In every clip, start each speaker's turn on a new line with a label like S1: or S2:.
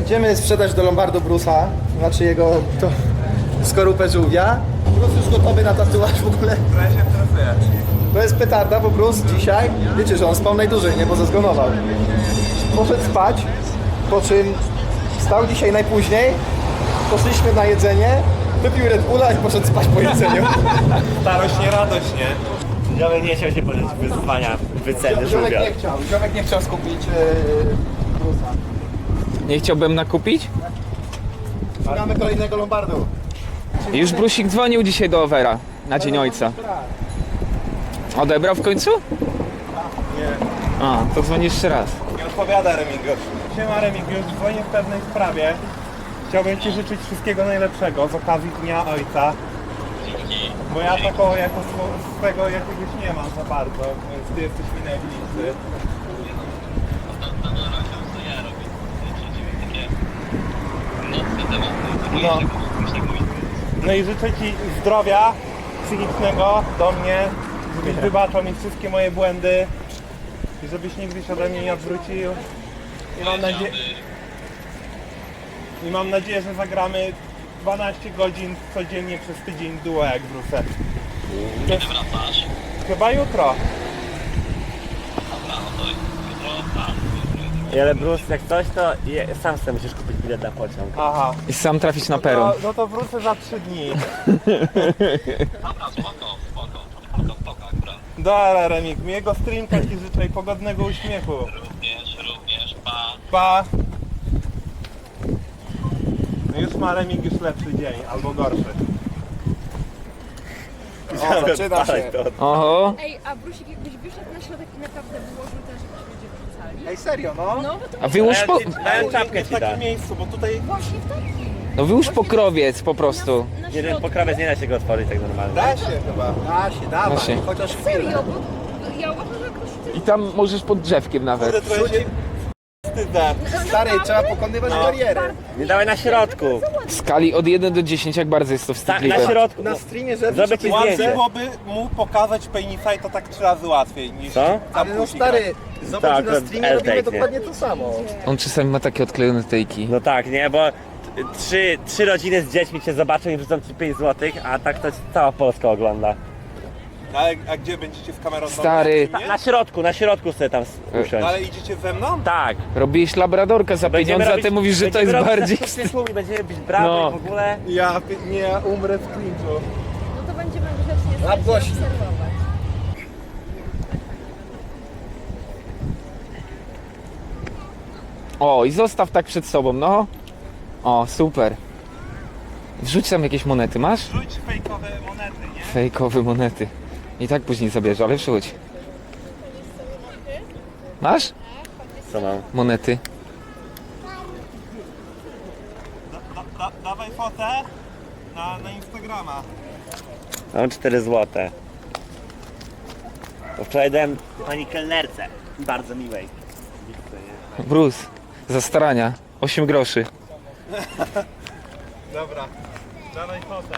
S1: Idziemy sprzedać do Lombardu Bruce'a, znaczy jego skorupę żółwia. Bruce już gotowy na tatuaż w ogóle. To jest petarda, bo Bruce dzisiaj, wiecie, że on spał najdłużej, nie, bo zezgonował. Poszedł spać, po czym wstał dzisiaj najpóźniej, poszliśmy na jedzenie, wypił Red Bulla i poszedł spać po jedzeniu.
S2: Starość nie radość, nie?
S3: Ziomek nie chciał się podjąć wyzwania wyceny żółwia.
S1: Ziomek nie chciał skupić Bruce'a.
S4: Nie chciałbym nakupić?
S1: Szukamy kolejnego Lombardu.
S4: Już Brusik dzwonił dzisiaj do Overa na Dzień Ojca. Odebrał w końcu?
S2: Nie.
S4: A, to dzwoni jeszcze raz.
S2: Nie odpowiada Remigiusz. Siema Remigiusz, dzwonię w pewnej sprawie. Chciałbym Ci życzyć wszystkiego najlepszego z okazji Dnia Ojca. Bo ja taką jako swego jakiegoś nie mam za bardzo, więc Ty jesteś mi najbliższy. No. No i życzę Ci zdrowia psychicznego do mnie, żebyś wybaczał mi wszystkie moje błędy i żebyś nigdy się ode mnie nie odwrócił. I mam nadzieję, że zagramy 12 godzin codziennie przez tydzień duo jak wrócę.
S5: Kiedy wracasz?
S2: Chyba jutro.
S3: Ale Bruce, jak coś, to sam sobie musisz kupić bilet na pociąg.
S2: Aha.
S4: I sam trafić na peron.
S2: No to wrócę za 3 dni.
S5: Dobra, spoko, akurat.
S2: Dobra Remik, miłego streamka Ci życzę i pogodnego uśmiechu.
S5: Również, pa.
S2: Pa! No już ma Remik już lepszy dzień, albo gorszy.
S1: O, zaczyna się.
S4: Oho.
S6: Ej, a Brusik jakbyś wyszedł na środek i naprawdę wyłożył też, jakbyś ludzie wrzucali?
S1: Ej, serio, no?
S6: No, bo to
S4: A wyłóż po...
S3: Dałem czapkę
S2: w
S3: Ci da.
S2: takim miejscu, bo tutaj
S6: właśnie w takim.
S4: No wyłóż pokrowiec po prostu.
S6: Na
S3: Jeden
S6: środku.
S3: pokrowiec nie da się go otworzyć tak normalnie.
S2: da się chyba.
S1: Da się, dawaj,
S4: Da się.
S1: chociaż chwilę.
S6: Serio, bo ja uważam, że jakoś...
S4: I tam możesz pod drzewkiem nawet.
S2: Kurde, trochę się wstydzę.
S1: Stary, trzeba pokonywać barierę.
S3: Nie dawaj na środku.
S4: W skali od 1 do 10 jak bardzo jest to
S3: Tak, na
S4: wstydliwe.
S3: środku.
S1: Na streamie, że
S3: Zrobię Ci
S2: Łatwiej
S3: zdjęcie.
S2: byłoby mu pokazać penisa i to tak 3 razy łatwiej niż
S3: Co?
S1: Ale no
S2: pusi
S1: stary, zobacz,
S3: Tak,
S1: że na streamie robimy
S3: L-take, nie?
S1: dokładnie to samo.
S4: On czasami ma takie odklejone tejki.
S3: No tak, nie, bo trzy rodziny z dziećmi Cię zobaczą i wrzucą Ci 5 zł, a tak to cała Polska ogląda.
S2: Ale a gdzie będziecie z kamerą?
S4: Stary.
S2: Nie?
S3: Na środku sobie tam usiąść.
S2: Ale idziecie ze mną?
S3: Tak.
S4: Robisz labradorka za pieniądze, a ty mówisz, że to jest bardziej...
S3: I będziemy bić brawo
S4: No.
S3: i w ogóle.
S2: Ja umrę w klinczu.
S6: No to będziemy grzecznie stać i
S1: głośno.
S6: obserwować.
S4: O, i zostaw tak przed sobą, no. O, super. Wrzuć tam jakieś monety, masz?
S2: Rzuć fejkowe monety, nie?
S4: Fejkowe monety. I tak później zabierze, ale wrzuć. Masz?
S3: Co mam?
S4: Monety.
S2: Dawaj fotę na Instagrama.
S3: Mam 4 zł. Bo wczoraj dałem pani kelnerce. Bardzo miłej.
S4: Bruce, za starania. 8 groszy.
S2: Dobra, dawaj fotę.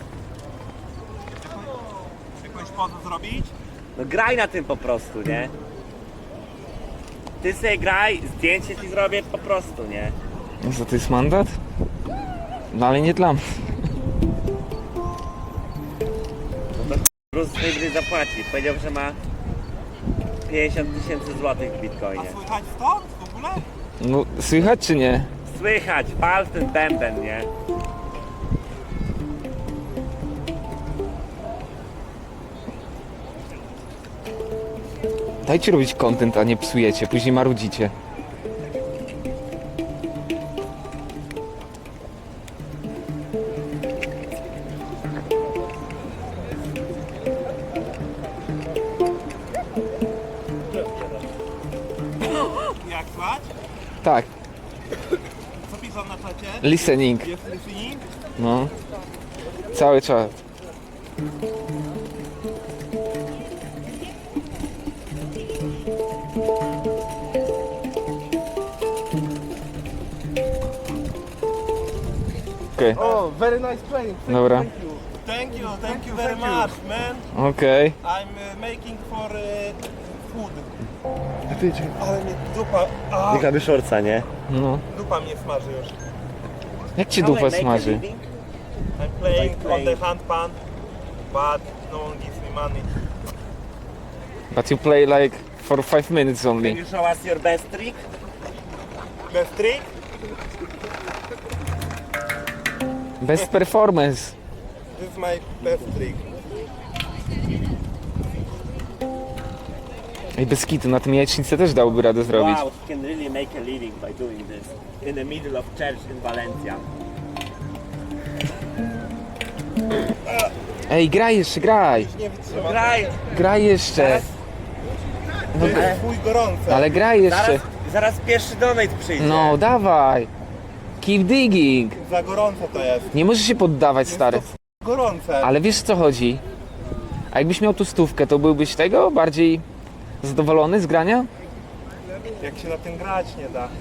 S2: Jakąś pozę zrobić?
S3: No graj na tym po prostu, nie? Ty sobie graj, zdjęcie Ci zrobię po prostu, nie?
S4: No co, to jest mandat? No ale nie dla mnie.
S3: Bruce najwyżej zapłaci. Powiedział, że ma 50 000 złotych w bitcoinie.
S2: A słychać stąd w ogóle?
S4: No, słychać czy nie?
S3: Słychać, pal w ten bęben, nie?
S4: Dajcie robić content, a nie psujecie, później marudzicie.
S2: Jak słychać?
S4: Tak,
S2: Co piszą na czacie?
S4: listening.
S2: Jest listening?
S4: No. Cały czas. Okej,
S1: O, very nice playing.
S4: dobra.
S2: Thank you very much, man.
S4: Okej.
S2: I'm making for food. tydzień. Ale mnie dupa... A,
S3: Jaka szorca, nie?
S4: No.
S2: dupa mnie smaży już.
S4: Jak ci dupa smaży?
S2: I'm playing on the handpan, but no one gives me money.
S4: But you play like for 5 minutes
S3: Can
S4: only.
S3: you show us your best trick?
S2: Best trick?
S4: Best performance.
S2: This is my best trick.
S4: Ej, bez kitu, na tym jajecznicę też dałoby radę zrobić.
S3: Wow, he can really make a living by doing this. In the middle of church in Valencia.
S4: Ej, graj jeszcze, graj!
S2: Nie wytrzymam.
S3: Graj!
S4: Graj jeszcze!
S2: To jest chuj gorące.
S4: Ale graj jeszcze!
S3: Zaraz pierwszy donate przyjdzie.
S4: No, dawaj! Keep digging!
S2: Za gorące to jest.
S4: Nie możesz się poddawać, stary.
S2: Gorące.
S4: Ale wiesz, co chodzi? A jakbyś miał tu stówkę, to byłbyś tego bardziej zadowolony z grania?
S2: Jak się na tym grać nie da.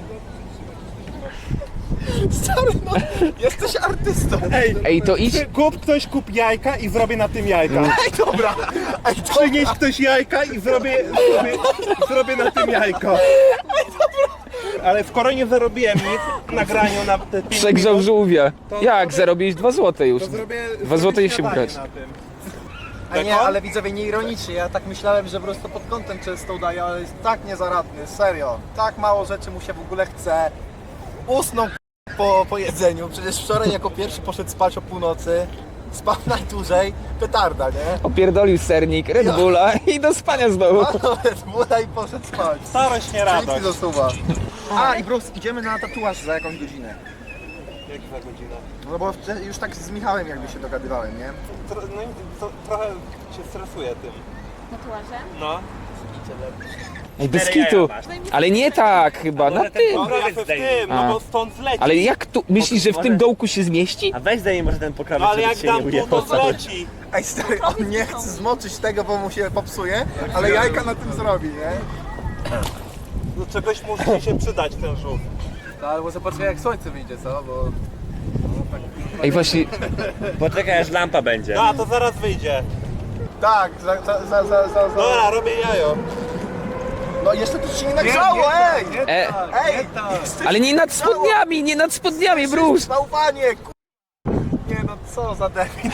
S1: Stary, no, jesteś artystą.
S4: Ej, to idź...
S2: Ktoś kup jajka i zrobię na tym jajka.
S1: Ej, dobra. Ej, to...
S2: Przynieś ktoś jajka i zrobię na tym jajko. Ale skoro nie zarobiłem nic na graniu na te 5
S4: Przegrzał
S2: minut,
S4: żółwia.
S2: To
S4: Jak?
S2: zrobię-
S4: Zarobiłeś 2 złote już.
S2: to zrobię
S4: 2 złote i się
S2: śniadanie
S4: brać.
S2: na tym.
S1: A nie, ale widzowie, nie ironicznie, ja tak myślałem, że po prostu pod kątem często udaje, ale jest tak niezaradny, serio. Tak mało rzeczy mu się w ogóle chce. Usnął po jedzeniu, przecież wczoraj jako pierwszy poszedł spać o północy. Spał najdłużej, petarda, nie?
S4: Opierdolił sernik, Red Bulla i do spania znowu.
S1: Buda i poszedł spać.
S2: Starość nie
S1: Nic
S2: radość.
S1: mi zasuwa. A i Bruce, idziemy na tatuaż za jakąś godzinę.
S2: Jak za godzinę?
S1: No bo już tak z Michałem jakby się dogadywałem, nie?
S2: No i trochę się stresuję tym.
S6: Tatuażem?
S2: No.
S4: Ej, bez kitu. Ale nie tak chyba, na
S3: Może ten
S4: tym.
S2: Dobra, ja
S3: pokrowiec
S2: w
S3: zdejmij.
S2: tym, no
S4: A.
S2: bo stąd zleci.
S4: Ale jak tu, myślisz, że w tym dołku się zmieści?
S3: A weź zdejmij może ten pokrowiec,
S2: No ale
S3: żeby
S2: jak
S3: ci się nie
S2: dam tu,
S3: ujęło
S2: to
S3: cały.
S2: zleci.
S1: Ej stary, on nie chce zmoczyć tego, bo mu się popsuje, ale jajka na tym zrobi, nie?
S2: Do czegoś musi mi się przydać ten żółw.
S1: No albo zobaczmy jak słońce wyjdzie, co? Bo...
S4: Ej, właśnie,
S3: Poczekaj aż lampa będzie.
S2: No, to zaraz wyjdzie.
S1: Tak,
S2: Dobra, robię jajo.
S1: No jeszcze to się nie nagrzało, ej! Ej!
S4: ale nie nad spodniami, nie nad spodniami, Bruce.
S1: Bałwanie, Nie no, co za debil.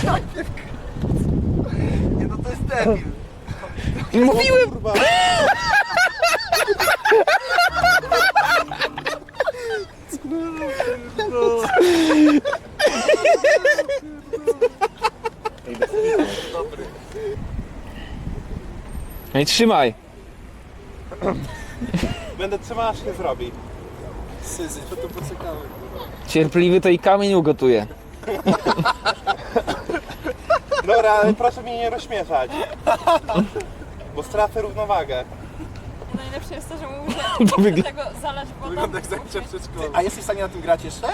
S1: Nie no, to jest debil.
S4: Mówiłem.
S2: Kurwa.
S4: Ej, trzymaj.
S2: Będę trzymał, aż się zrobi.
S1: Syzy, to tu poczekamy.
S4: Cierpliwy to i kamień ugotuje.
S2: Dobra, ale proszę mnie nie rozśmieszać. Bo stracę równowagę.
S6: Najlepsze jest to, że mówię,
S4: To
S6: że
S4: wygląda...
S6: tego zalać wodą.
S1: Wygląda jak zajęcie w przedszkolu. A jesteś w stanie na tym grać jeszcze?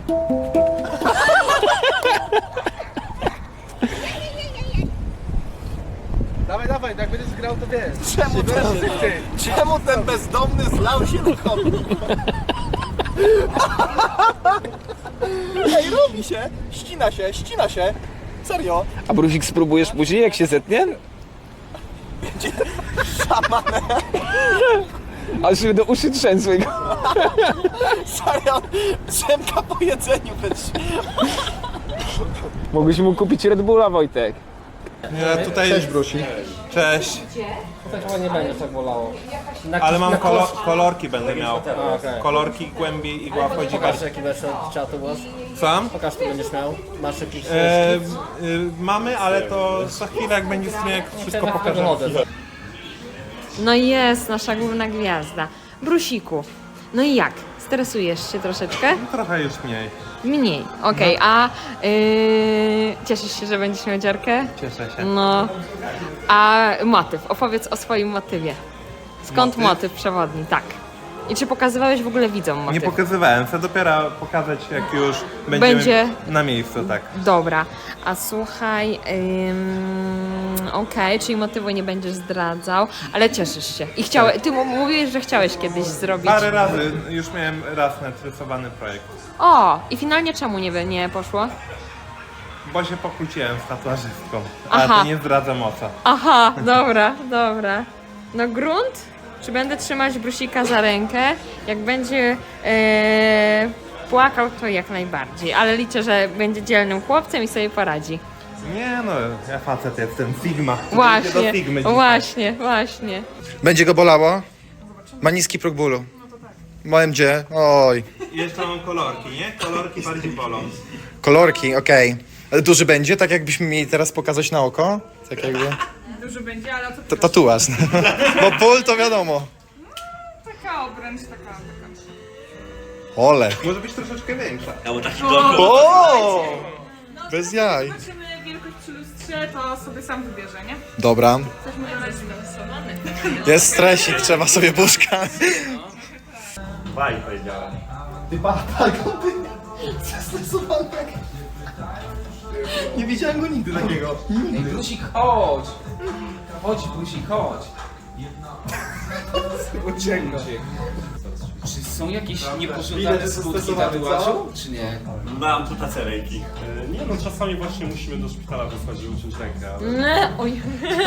S1: Dawaj, dawaj, jak będziesz grał, to wiesz. Czemu ten bezdomny zlał się do kobiet? Ej, robi się! Ścina się! Serio!
S4: A Brusik spróbujesz później, jak się zetnie?
S1: Szamane!
S4: Aż się do uszy trzęsły go.
S1: Serio! Drzemka po jedzeniu będzie.
S4: Mogłeś mu kupić Red Bulla, Wojtek.
S2: Ja tutaj... Cześć Brusi. Cześć.
S7: Chyba nie będzie tak bolało.
S2: Ale mam kolorki będę miał. Kolorki, głębiej, igła wchodzi
S7: Pokaż
S2: bardziej.
S7: jaki będziesz od czatu głos.
S2: Sam?
S7: Pokaż co będziesz miał. Masz jakiś
S2: Mamy, ale to za chwilę jak będzie streaming, wszystko pokażę.
S8: No i jest nasza główna gwiazda. Brusiku, no i jak? Stresujesz się troszeczkę?
S2: Trochę już mniej.
S8: Mniej, okej. A cieszysz się, że będziesz miał dziarkę?
S2: Cieszę się.
S8: No. A motyw, opowiedz o swoim motywie. Skąd
S2: Motyw?
S8: motyw przewodni? Tak. I czy pokazywałeś w ogóle widzom motyw?
S2: Nie pokazywałem, chcę dopiero pokazać jak już będziemy
S8: Będzie-
S2: na miejscu, tak.
S8: Dobra, a słuchaj, okej, czyli motywu nie będziesz zdradzał, ale cieszysz się. I chciałeś, ty mówiłeś, że chciałeś kiedyś zrobić.
S2: Parę razy, już miałem raz narysowany projekt.
S8: O, i finalnie czemu nie poszło?
S2: Bo się pokłóciłem z tatuażystką,
S8: Aha.
S2: ale to nie zdradzam o co.
S8: Aha, dobra. No grunt? czy będę trzymać Brusika za rękę. Jak będzie płakał, to jak najbardziej. Ale liczę, że będzie dzielnym chłopcem i sobie poradzi.
S2: Nie no, ja facet jestem, Sigma. Idę do
S8: Właśnie,
S2: Sigmy dzisiaj.
S8: właśnie.
S1: Będzie go bolało? Ma niski próg bólu. W OMG, oj.
S2: I jeszcze mam kolorki, nie? Kolorki bardziej bolą.
S1: Kolorki, okej. Ale duży będzie, tak jakbyśmy mieli teraz pokazać na oko? Tak jakby...
S6: Duży będzie, ale o co
S1: Tatuaż. Bo ból to wiadomo.
S6: taka obręcz, taka.
S1: Ole.
S2: Może być troszeczkę większa.
S3: Ja bo taki
S1: O! Bez jaj.
S6: Zobaczymy wielkość przy lustrze, to sobie sam wybierze, nie?
S1: Dobra.
S6: Coś mu dodać.
S1: Jest stresik, trzeba sobie buszka.
S2: Baj powiedziałem.
S1: Ty ty zestresowany jak... Nie widziałem go nigdy takiego.
S4: Ej, Brusik, chodź! Chodź, Brusik, chodź! Uciekł. Czy są jakieś niepożądane skutki tatuażu, czy nie?
S3: Mam tu tacerejki.
S2: Nie no, czasami właśnie musimy do szpitala wysłać i uciąć rękę, ale...
S8: Oj.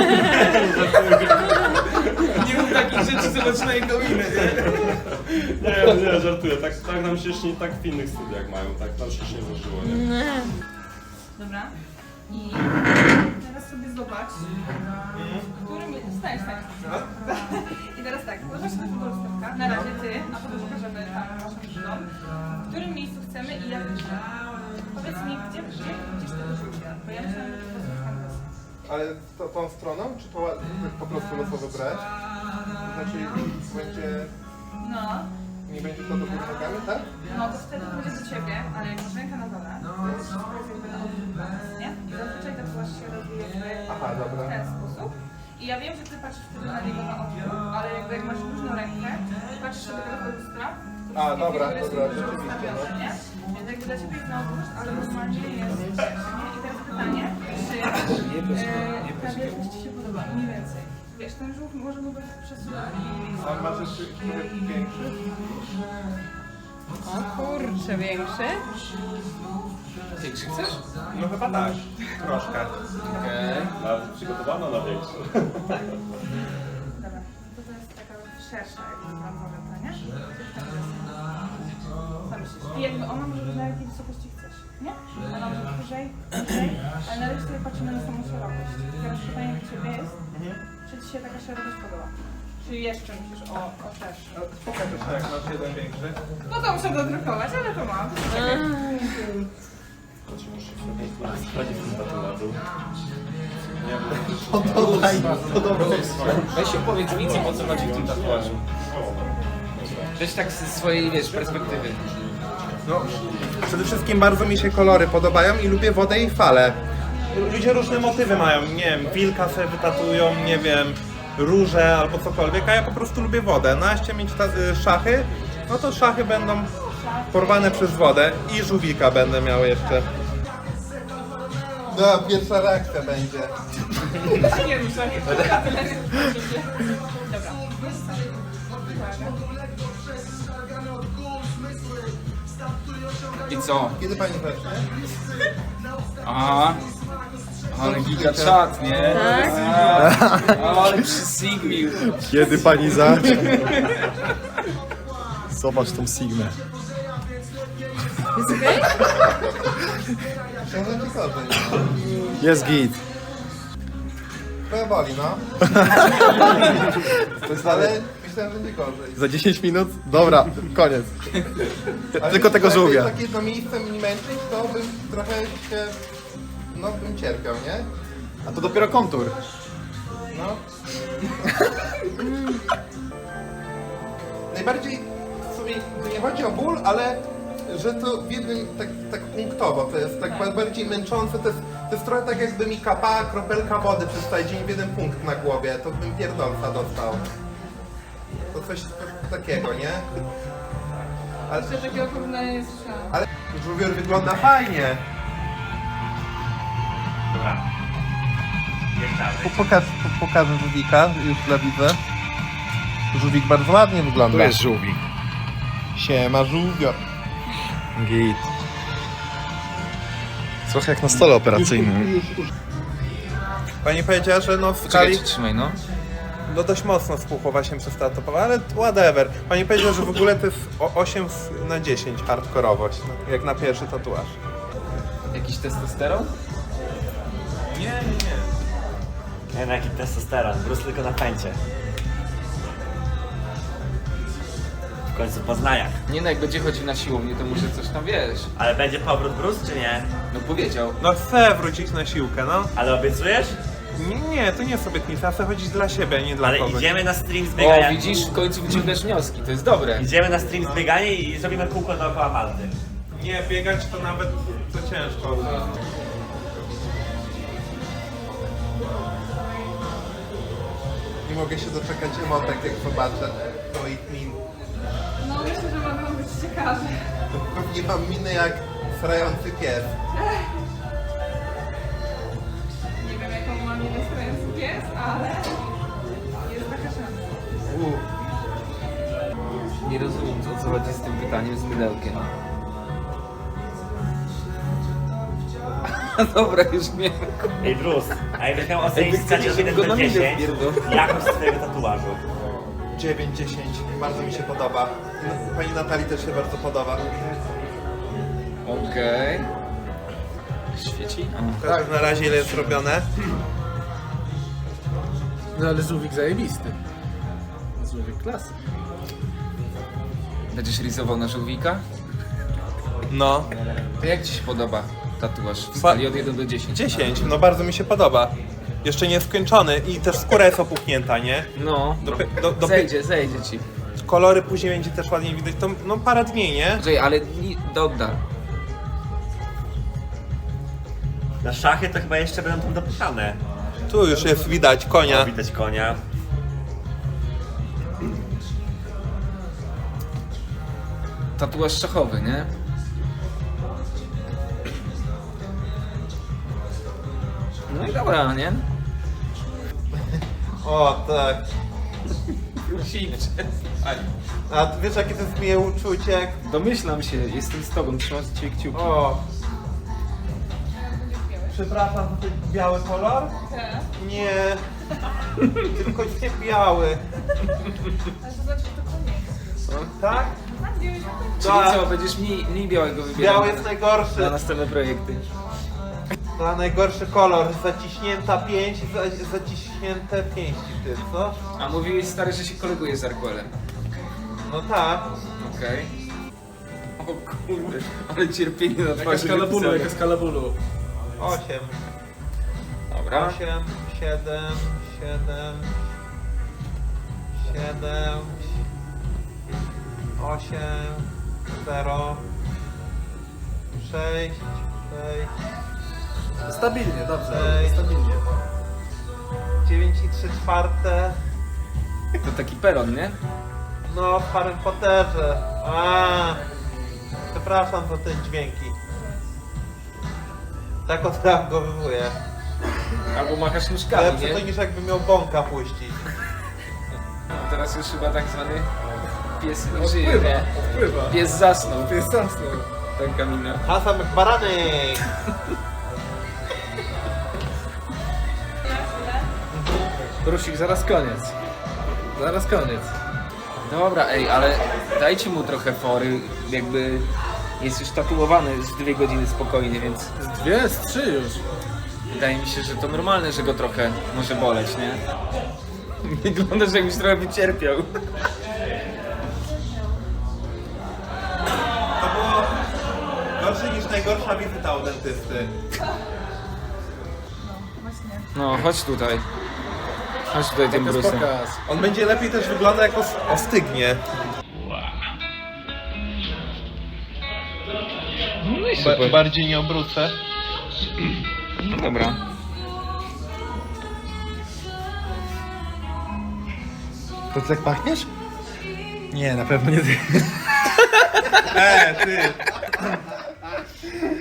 S4: Nie mów takich rzeczy, co zaczynają do inne.
S2: Nie, żartuję. Tak nam się śni, tak w innych studiach mają, tak nam się nie zdarzyło, nie?
S6: Dobra. I teraz sobie zobacz, w którym... Wstań. I teraz tak, zobacz na tego lustewka. Na razie ty, a potem pokażemy tam naszą żoną. W którym miejscu chcemy i jak chcemy. Powiedz mi, gdzieś tego rzucie, bo ja myślałam, że to jest kanwas.
S2: Ale tą stroną, czy to po prostu losowo brać? To znaczy będzie...
S6: No.
S2: Nie będzie to do góry nogami, tak?
S6: No to wtedy będzie do ciebie, ale jak masz rękę na dole, to jest wszystko jest jakby na odwrót, nie? I zazwyczaj tatuaż się robi jakby
S2: Aha, dobra.
S6: w ten sposób. I ja wiem, że ty patrzysz wtedy na niego na odwrót, ale jakby jak masz luźną rękę i patrzysz sobie teraz do lustra, to
S2: A,
S6: wszystkie
S2: dobra,
S6: figury są
S2: dobra,
S6: dobrze
S2: rzeczywiście,
S6: ustawione, nie? Więc jakby dla ciebie jest na odwrót, ale normalnie jest też, nie? I teraz pytanie, czy ta wielkość ci się podoba, mniej więcej. Wiesz, ten żółw może mu być przesuwany.
S2: A masz jeszcze większy?
S8: O kurczę, większy.
S4: Większy chcesz?
S2: No chyba tak, troszkę.
S4: Okej.
S2: Nawet przygotowano na większy.
S6: Dobra, to jest taka szersza jakby planowata, nie? Co myślisz? I jakby ona może być na jakiej wysokości chcesz, nie? Ona może być wyżej, niżej, ale na razie sobie patrzymy na samą szerokość. Teraz pytanie do ciebie jest, czy ci się taka szerokość podoba? Czy jeszcze myślisz o szerszy?
S2: Pokaż jeszcze jak masz jeden większy.
S6: No to muszę dodrukować, ale to mam.
S4: Weź opowiedz widzom, o co chodzi w tym tatuażu. Weź tak ze swojej, wiesz, perspektywy.
S2: No, przede wszystkim bardzo mi się kolory podobają i lubię wodę i fale. Ludzie różne motywy mają, nie wiem, wilka sobie wytatują, nie wiem, róże albo cokolwiek, a ja po prostu lubię wodę. No a jeśli mieć szachy, no to szachy będą porwane przez wodę i żółwika będę miał jeszcze. No, pierwsza reakcja będzie.
S6: Nie ruszaj. Dobra.
S4: I co?
S2: Kiedy pani zacznie?
S4: Aha. Ale giga czat, nie?
S8: Tak?
S4: Ale przysigmił.
S1: Kiedy pani zacznie? Zobacz tą Sigmę.
S8: Jest okej?
S2: Myślałem, że gorzej.
S1: Jest git.
S2: Trochę boli, no. Ale myślałem, że nie gorzej.
S1: Za 10 minut? Dobra, koniec.
S2: Ale
S1: Tylko tego
S2: jakby
S1: żółwia.
S2: takie jedno miejsce mi męczyć, to bym trochę się... No, bym cierpiał, nie?
S1: A to dopiero kontur.
S2: No. Najbardziej w sumie to nie chodzi o ból, ale że to w jednym tak punktowo, to jest tak bardziej męczące, to jest trochę tak jakby mi kapała kropelka wody przez cały dzień w jeden punkt na głowie, to bym pierdolca dostał. To coś takiego, nie? Ale,
S6: Jeszcze takiego porównania nie słyszałam.
S2: ale żółwior wygląda fajnie.
S3: Dobra. Jeszcze raz.
S2: Pokażę żółwika już dla widza. Żółwik bardzo ładnie wygląda.
S1: żółwik.
S2: Siema żółwior.
S1: Git. Trochę jak na stole operacyjnym.
S2: Pani powiedziała, że no w
S4: Czekaj,
S2: skali...
S4: trzymaj, no.
S2: no dość mocno spuchło się przez tatuowanie, ale whatever. Pani powiedziała, że w ogóle to jest 8 na 10 hardkorowość, no, jak na pierwszy tatuaż.
S4: Jakiś testosteron?
S2: Nie.
S3: Nie wiem jaki testosteron, Bruce tylko na pęcie. W końcu w Poznaniach.
S4: Nie no, jak będzie chodził na siłownię, to może coś tam wiesz.
S3: Ale będzie powrót Bruce czy nie?
S4: No powiedział.
S2: No chcę wrócić na siłkę, no.
S3: Ale obiecujesz?
S2: Nie, to nie jest obietnica, chcę chodzić dla siebie, a nie dla
S3: Ale
S2: kogoś.
S3: idziemy na stream z
S4: O,
S3: biegania.
S4: widzisz, w końcu wyciągasz wnioski, to jest dobre.
S3: Idziemy na stream z biegania i zrobimy kółko dookoła Malty.
S2: Nie, biegać to nawet to ciężko. Nie mogę się doczekać emotek, jak zobaczę twoich min.
S6: No myślę, że mogą być ciekawe.
S2: Pewnie mam minę jak srający pies.
S6: Nie wiem jaką mam minę stojący pies, ale jest taka szansa.
S4: Nie rozumiem, o co chodzi z tym pytaniem z mydełkiem. Dobra, już wiem.
S3: Ej Bruce, a jakbyś miał ocenić
S4: Jakby
S3: w skali
S4: chcecie,
S3: od
S4: żeby
S3: 1
S4: go
S3: do
S4: na minę
S3: 10
S4: wpierdol.
S3: jakość twojego tatuażu?
S2: 9-10, bardzo mi się podoba. Pani Natalii też się bardzo podoba.
S4: Okej. Świeci?
S2: Tak, na razie ile jest robione.
S1: No ale żółwik zajebisty. Żółwik klasy.
S4: Będziesz rysował na żółwika?
S2: No.
S4: To jak ci się podoba tatuaż w skali od 1 do 10?
S2: 10, no bardzo mi się podoba. Jeszcze nie skończony i też skóra jest opuchnięta, nie?
S4: No, zejdzie ci.
S2: Kolory później będzie też ładnie widać, to no parę dni, nie?
S4: Czekaj, ale dobra.
S3: Na szachy to chyba jeszcze będą tam dopisane.
S2: Tu już jest widać konia.
S3: O, widać konia.
S4: Tatuaż szachowy, nie? No i dobra, nie?
S2: O tak.
S4: Prosik,
S2: A wiesz jakie to jest miłe uczucie? Jak...
S4: domyślam się, jestem z tobą, trzymam za ciebie kciuki.
S2: O. Przepraszam za ten biały kolor?
S6: Tak.
S2: Nie. Tylko nie biały.
S6: Ale to znaczy, że to koniec.
S2: Tak?
S4: Czyli co, będziesz mniej białego wybierał
S2: Biały jest najgorszy.
S4: na następne projekty.
S2: To najgorszy kolor. Zaciśnięta pięść, zaciśnięte pięści, ty co?
S4: A mówiłeś stary, że się koleguje z Arquelem.
S2: No tak.
S4: Okej. O kurde, ale cierpienie na twarzy napisane.
S1: skala bólu.
S2: 8.
S4: Dobra.
S2: 8, 7, 8, 0, 6,
S1: Stabilnie, dobrze,
S2: Ej.
S1: stabilnie.
S2: 9 i 3 czwarte.
S4: To taki peron, nie?
S2: No, w Harry Potterze. Przepraszam za te dźwięki. Tak odreagowuję.
S4: Albo machasz nóżkami,
S2: Lepsze to
S4: nie?
S2: niż jakby miał bąka puścić.
S4: Teraz już chyba tak zwany pies nie żyje, nie?
S1: Odpływa.
S4: Pies zasnął.
S1: Jest zasnął.
S4: Taka mina.
S2: Hasan McBarany!
S1: Brusik, zaraz koniec. Zaraz koniec.
S4: Dobra, ej, ale dajcie mu trochę fory, jakby jest już tatuowany z 2 godziny spokojnie, więc
S1: Z 2, z 3 już.
S4: wydaje mi się, że to normalne, że go trochę może boleć, nie? Wygląda, że jakbyś trochę wycierpiał.
S2: To było gorsze niż najgorsza wizyta u dentysty.
S6: Właśnie.
S4: No, chodź tutaj. Chodź tutaj tym brusem.
S1: Pokaz.
S2: On będzie lepiej też wygląda jak ostygnie.
S4: No i super.
S2: Bardziej nie obrócę.
S4: No dobra.
S1: To ty tak pachniesz? Nie, na pewno nie ty.
S2: Ty!